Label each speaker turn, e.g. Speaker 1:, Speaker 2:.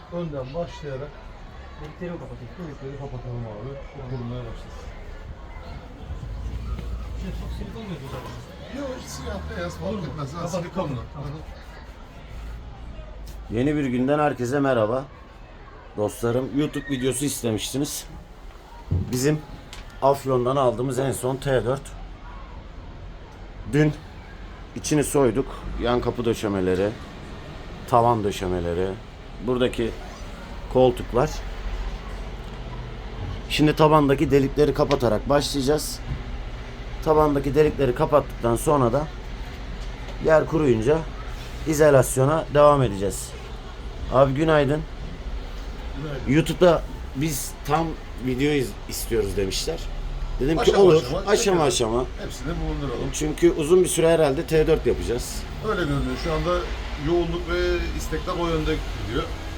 Speaker 1: önden başlayarak delikleri kapatalım abi. O kurulmaya başlasın.
Speaker 2: Çok silikon mu yapıyoruz?
Speaker 1: Yok, siyah beyaz fark etmez. Ha, silikonlu.
Speaker 3: Yeni bir günden herkese merhaba. Dostlarım, YouTube videosu istemiştiniz. Bizim Afyon'dan aldığımız en son T4. Dün içini soyduk. Yan kapı döşemeleri, tavan döşemeleri, buradaki koltuklar. Şimdi tabandaki delikleri kapatarak başlayacağız. Tabandaki delikleri kapattıktan sonra da yer kuruyunca izolasyona devam edeceğiz. Abi günaydın. YouTube'da biz tam video istiyoruz demişler. Dedim ki
Speaker 1: Aşama
Speaker 3: olur,
Speaker 1: aşama,
Speaker 3: aşama aşama.
Speaker 1: Hepsini bulunduralım.
Speaker 3: Çünkü uzun bir süre herhalde T4 yapacağız.
Speaker 1: Öyle görünüyor. Şu anda yoğunluk ve istekler o yönde gidiyor.